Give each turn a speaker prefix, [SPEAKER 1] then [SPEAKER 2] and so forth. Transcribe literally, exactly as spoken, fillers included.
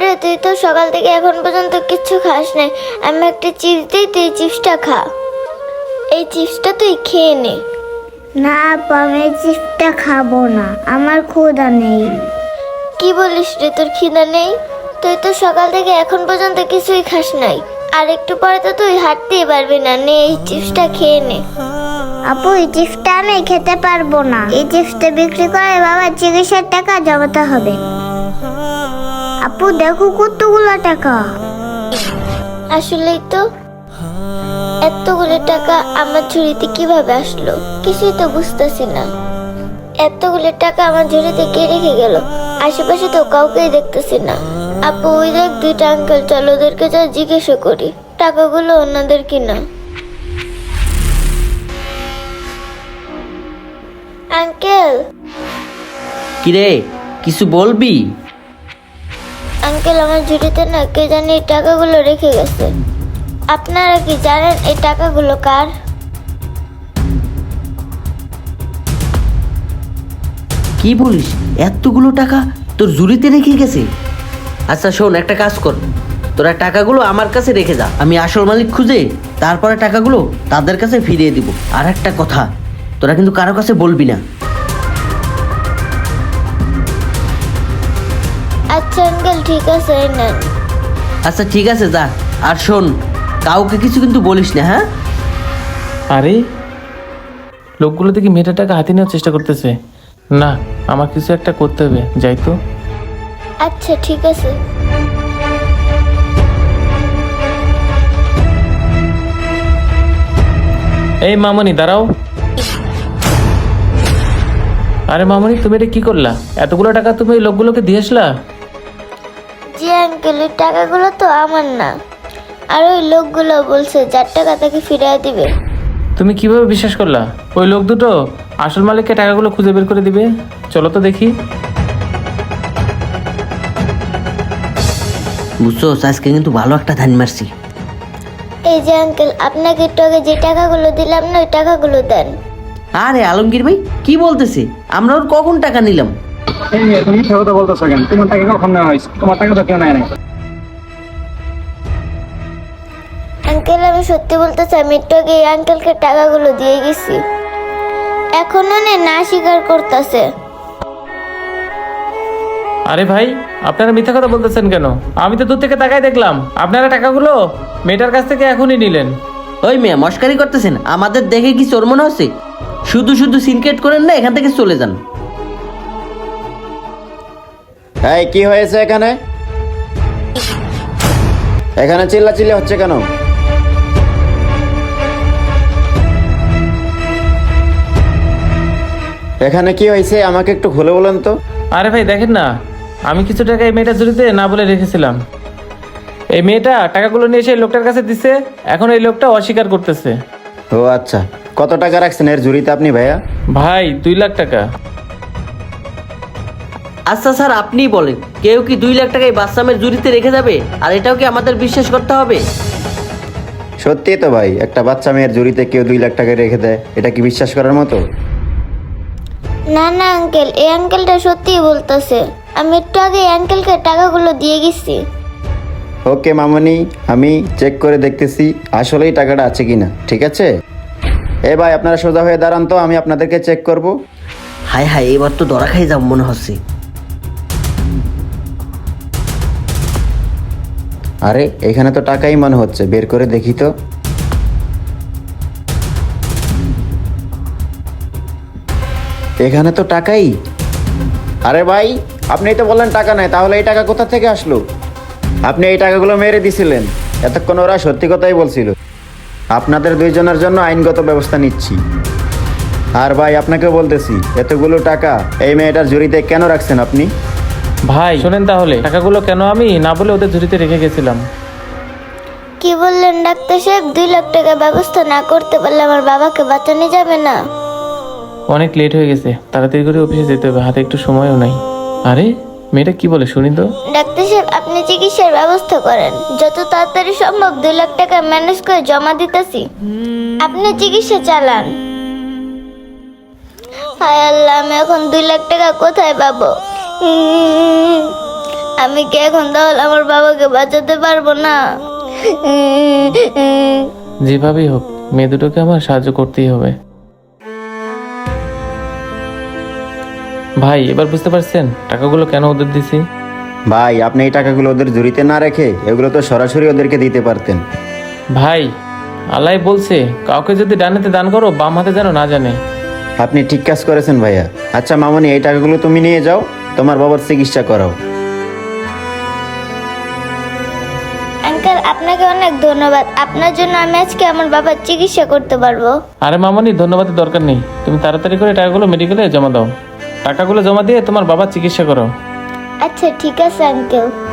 [SPEAKER 1] রে, তুই তো সকাল থেকে এখন পর্যন্ত কিচ্ছু খাস নাই। আমি একটা চিপস দিই, তুই চিপসটা খা। এই চিপসটা তুই খেয়ে নে।
[SPEAKER 2] না আপু, আমি এই চিপসটা খাবো না, আমার ক্ষুধা নেই।
[SPEAKER 1] কি বলিস রে, তোর খিদা নেই? তুই তো সকাল থেকে এখন পর্যন্ত কিছুই খাস নাই। আর একটু পরে তো তুই হাঁটতেই পারবি না। নে, এই চিপসটা খেয়ে নে।
[SPEAKER 2] আপু, এই চিপসটা আমি খেতে পারবো না। এই চিপসটা বিক্রি করে বাবার চিকিৎসার টাকা জমাতে হবে। আপু দেখো কতগুলো টাকা।
[SPEAKER 1] আসলেই তো, এতগুলো টাকা আমার ঝুড়িতে কিভাবে আসলো কিছুই তো বুঝতেছি না। এতগুলো টাকা আমার ঝুড়িতে কে রেখে গেল? আশেপাশে তো কাউকেই দেখতেছি না। আপু, ওই দেখ দুইটা আঙ্কেল, চল ওদেরকে যা জিজ্ঞাসা করি টাকাগুলো ওনাদের কিনা। আঙ্কেল,
[SPEAKER 3] কিরে, কিছু বলবি?
[SPEAKER 1] আঙ্কেল, আমার ঝুড়িতে না কে জানি এই টাকাগুলো রেখে গেছে। আপনারা কি জানেন এই টাকাগুলো কার?
[SPEAKER 3] কি বলিস, এতগুলো টাকা তোর ঝুড়িতে রেখে গেছে? আচ্ছা শোন, একটা কাজ কর, তোরা টাকাগুলো আমার কাছে রেখে যা, আমি আসল মালিক খুঁজে তারপরে টাকাগুলো তাদের কাছে ফিরিয়ে দিব। আর একটা কথা, তোরা কিন্তু কারো কাছে বলবি না।
[SPEAKER 1] আচ্ছা আঙ্কেল, ঠিক আছে, এই নেন।
[SPEAKER 3] আচ্ছা ঠিক আছে, যা। আর শোন, কাউকে কিছু কিন্তু বলিস না, হ্যাঁ?
[SPEAKER 4] আরে লোকগুলো দেখি মেয়েটার টাকা হাতে নেওয়ার চেষ্টা করতেছে। না, আমার কিছু একটা করতে হবে, যাই তো।
[SPEAKER 1] আচ্ছা ঠিক আছে।
[SPEAKER 4] এই মামনি দাঁড়াও। আরে মামনি, তুমি এটা কি করলা? এতগুলো টাকা তুমি ওই লোকগুলোকে দিয়ে আসলা?
[SPEAKER 1] জি আঙ্কেল, ওই টাকাগুলো তো আমার না। আর ওই লোকগুলো বলছে যার টাকা তাকে ফিরিয়ে দিবে।
[SPEAKER 4] তুমি কিভাবে বিশ্বাস করলা? ওই লোক দুটো আসল মালিককে টাকাগুলো খুঁজে বের করে দিবে। চলো তো দেখি।
[SPEAKER 3] বুঝছো, আজকে কিন্তু ভালো একটা ধান মারছি।
[SPEAKER 1] এই যে আঙ্কেল, আপনাকে একটু আগে যে টাকাগুলো দিলাম না, ওই টাকাগুলো দেন।
[SPEAKER 3] আরে আলমগীর ভাই, কি বলতেছে? আমরা ওর কখন টাকা নিলাম?
[SPEAKER 5] এই মেয়ে, তুমি মিথ্যা কথা বলতেছো কেন? তোমার টাকা কখন নেওয়া হয়েছে? তোমার টাকা তো কেউ নেয় নাই।
[SPEAKER 1] আঙ্কেল, আমি সত্যি বলতে চাই, আমি একটু আগে এই আঙ্কেলকে টাকাগুলো দিয়ে গেছি। এখনো নে না স্বীকার করতেছে।
[SPEAKER 4] আরে ভাই, আপনারা মিথ্যা কথা বলতেছেন কেন? আমি তো দূর থেকে তাকাই দেখলাম আপনারা টাকাগুলো মেয়েটার কাছ থেকে এখনই নিলেন।
[SPEAKER 3] ওই মেয়ে, মস্কারি করতেছেন? আমাদের দেখে কি চোর মনে হচ্ছে? শুধু শুধু সিনক্রেট করেন না, এখান থেকে চলে যান।
[SPEAKER 6] এই কি হয়েছে এখানে? এখানে চিল্লাচিল্লি হচ্ছে কেন? এখানে কি হয়েছে আমাকে একটু খুলে বলেন তো।
[SPEAKER 4] আরে ভাই দেখেন না, আমি কিছু টাকা এই মেয়েটার ঝুড়িতে না বলে রেখেছিলাম। এই মেয়েটা টাকাগুলো নিয়ে এসে এই লোকটার কাছে দিছে, এখন এই লোকটা অস্বীকার করতেছে।
[SPEAKER 6] ও আচ্ছা, কত টাকা রাখছেন এর ঝুড়িতে আপনি ভাইয়া?
[SPEAKER 4] ভাই দুই লাখ টাকা।
[SPEAKER 3] আচ্ছা স্যার, আপনিই বলেন, কেউ কি দুই লাখ টাকা এই বাচ্চামের জুড়িতে রেখে যাবে? আর এটাও কি আমাদের বিশ্বাস করতে হবে?
[SPEAKER 6] সত্যি তো ভাই, একটা বাচ্চা মেয়ের ঝুড়িতে কেউ দুই লাখ টাকা রেখে দেয়, এটা কি বিশ্বাস করার মতো?
[SPEAKER 1] না না আঙ্কেল, এই আঙ্কেলটা সত্যিই বলতেছে। আমি একটু আগে এই আঙ্কেলকে টাকাগুলো দিয়ে গেছি।
[SPEAKER 6] ওকে মামনি, আমি চেক করে দেখতেছি আসলেই টাকাটা আছে কিনা। ঠিক আছে, এ ভাই আপনারা সোজা হয়ে দাঁড়ান তো, আমি আপনাদেরকে চেক করব।
[SPEAKER 3] হায় হায়, এবার তো ধরা খাই যাব মনে হচ্ছে।
[SPEAKER 6] আরে এখানে তো টাকাই মনে হচ্ছে, বের করে দেখি তো। এখানে তো টাকাই। আরে ভাই, আপনি তো বললেন টাকা নাই, তাহলে এই টাকা কোথা থেকে আসলো? আপনি এই টাকাগুলো মেরে দিছিলেন। এতক্ষণ ওরা সত্যি কথাই বলছিল। আপনাদের দুইজনের জন্য আইনগত ব্যবস্থা নিচ্ছি। আর ভাই আপনাকে বলতেছি, এতগুলো টাকা এই মেয়েটার ঝুড়িতে কেন রাখছেন আপনি?
[SPEAKER 4] ভাই শোনেন, তাহলে টাকাগুলো কেন আমি না বলে ওদের ঝুড়িতে রেখে গেছিলাম।
[SPEAKER 1] কি বললেন ডাক্তার সাহেব? দুই লাখ টাকা ব্যবস্থা না করতে পারলে আমার বাবাকে বাঁচানো যাবে না?
[SPEAKER 4] অনেক লেট হয়ে গেছে, তাড়াতাড়ি করে অফিসে যেতে হবে, হাতে একটু সময়ও নাই। আরে মেয়েটা কি বলে শুনি তো।
[SPEAKER 1] ডাক্তার সাহেব, আপনি চিকিৎসার ব্যবস্থা করেন। যত তাড়াতাড়ি সম্ভব দুই লাখ টাকা ম্যানেজ করে জমা দিতেছি, আপনি চিকিৎসা চালান। হায় আল্লাহ, আমি এখন দুই লাখ টাকা কোথায় পাবো? আমি কি এখন তাহলে আমার বাবাকে বাঁচাতে পারবো না?
[SPEAKER 4] যেভাবেই হোক মেয়ে দুটোকে আমার সাহায্য করতেই হবে। ভাই এবার বুঝতে পারছেন টাকাগুলো কেন ওদের দিছি?
[SPEAKER 6] ভাই আপনি এই টাকাগুলো ওদের ঝুড়িতে না রেখে এগুলো তো সরাসরি ওদেরকে দিতে পারতেন।
[SPEAKER 4] ভাই আল্লাহ বলছে কাউকে যদি ডানেতে দান করো বাম হাতে যেন না জানে।
[SPEAKER 6] আপনি ঠিক কাজ করেছেন ভাইয়া। আচ্ছা মামনি, এই টাকাগুলো তুমি নিয়ে যাও, তোমার বাবার চিকিৎসা করাও।
[SPEAKER 1] আঙ্কেল, আপনাকে অনেক ধন্যবাদ। আপনার জন্য আমি আজকে আমার বাবার চিকিৎসা করতে পারবো।
[SPEAKER 4] আরে মামনি ধন্যবাদের দরকার নেই, তুমি তাড়াতাড়ি করে টাকাগুলো মেডিকেলে জমা দাও। টাকাগুলো জমা দিয়ে তোমার বাবার চিকিৎসা করো।
[SPEAKER 1] আচ্ছা ঠিক আছে আঙ্কেল।